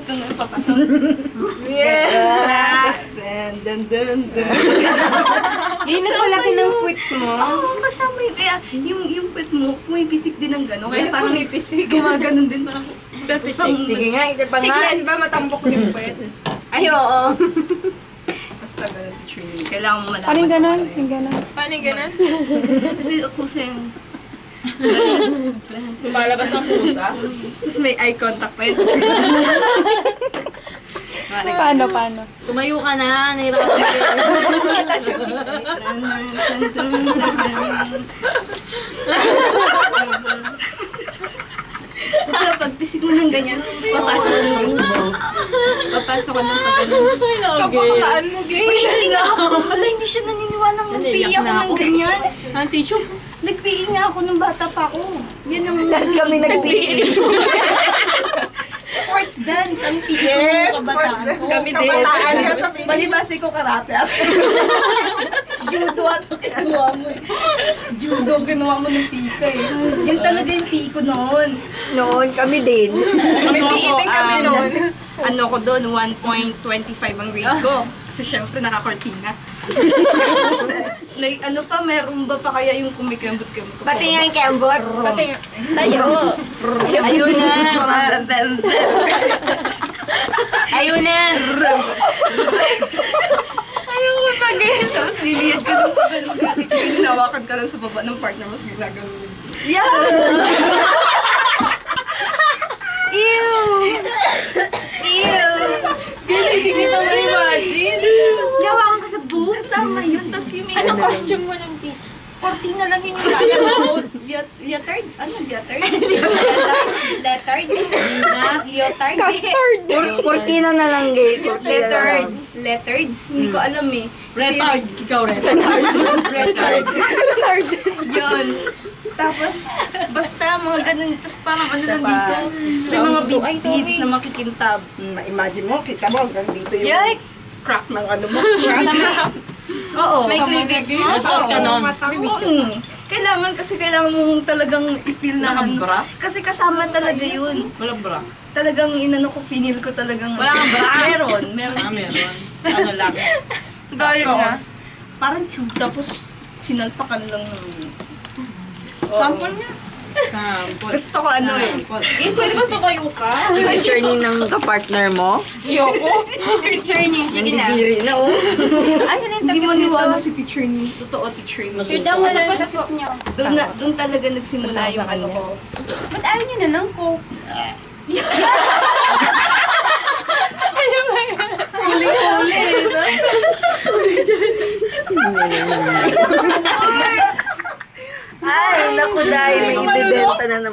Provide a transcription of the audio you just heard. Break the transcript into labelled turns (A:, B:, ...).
A: ko nga papasok.
B: Yes! Dun.
A: Yun ang palaki ng puwit mo.
B: Oo, kasama yun. Kaya yung puwet mo, may pisik din ng gano'n. Kaya parang
A: may pisik.
B: gumaganon din. Parang
C: Sige nga, isa pa nga.
A: Siglan ba matambok din puwet?
C: Ay, oo.
B: basta gano'n, teacher Nini. Kailangan mo malaman.
D: Paano yung ganon?
B: kung ano
D: Yung ganon.
A: Paano yung ganun?
B: yun. Kasi kusa yung...
A: Lumalabas ang pusa.
B: Tapos may eye contact pa yun.
D: Paano?
C: Tumayo ka na, nahirapan ka.
B: Tapos pag pisik mo ng ganyan, papasok ka ng ganyan. Papasok ka ng pag-ganyan.
A: Kapakataan mo, gay.
B: Uy, hindi nga ako. Wala, hindi siya naniniwalang mag-PE ako ng ganyan.
C: Ang tissue.
B: Nag-PE nga ako nung bata pa ako. Yan ang
C: Lahat kami nag-PE.
B: sports dance. Ang PE ko nung kabataan ko.
A: Kami din.
B: Balibase ko karate. Judo at ginawa mo eh. Judo ginawa mo ng PE ka eh. Yan talaga yung PE ko noon.
C: Noon, kami din.
A: May PE din kami noon.
B: Ano ko doon, 1.25 ang grade ko. Kasi syempre nakakortina. Ano pa, meron ba pa kaya yung kumikembot-kembot ko?
C: Pati nga yung kembot.
A: Pati tayo.
C: Ayun na. Ayun na.
B: Ayaw ko pag-ganyan. Tapos liliyad ka ng pag-ganun. Hinawakan ka lang sa baba ng partner mo. Ginagano.
C: Yeah. Ew. Ew.
B: Hindi kita ma-imagine.
C: Nawakan ka sa buhok.
B: Kasama yun. Tapos yung may
A: Anong costume mo ng teacher?
B: kortina lang yung nilalagay. Leotard? Ano? Leotard? Leotard? Leotard?
D: Custard!
C: Kurtina na lang, gay. Kurtina na lang.
B: Leotards. Leotards? Hindi ko alam eh.
C: Retard. Ikaw, retard.
B: Retard. Yun. Tapos, basta mga ganun. Tapos parang ano lang dito. Tapos may mga beads na makikintab.
C: Imagine mo, kita mo hanggang dito yung...
B: Yikes! Crack ng ano mo. Oo. May cleavage mo.
C: Nasuot ka nun.
B: Kailangan mong talagang i-feel na
C: Nakabra?
B: Kasi kasama talaga yun.
C: Walang bra.
B: Talagang inano ko, finil ko talagang...
C: Wala kang bra?
B: Meron.
C: Meron. Ano lang.
B: Galing na. Parang tube. Tapos sinalpakan lang ng...
C: Sample niya. Sample.
B: Gusto ko ano eh.
A: Pwede ba tumayo ka?
C: Yung attorney ng kapartner mo?
A: Yoko. Journey. Sige na.
C: Nandidiri na, oh.
A: Asan yung
B: Hindi
A: takip
B: mo niwala
A: nito?
B: si teacher ni. Totoo teacher ni.
A: Sure daw wala yung takip niyo.
B: Doon talaga nagsimula yung ano ko.
A: Ba't ayaw niyo na ng coke?
C: Ay, naku dahil may ibibenta na naman.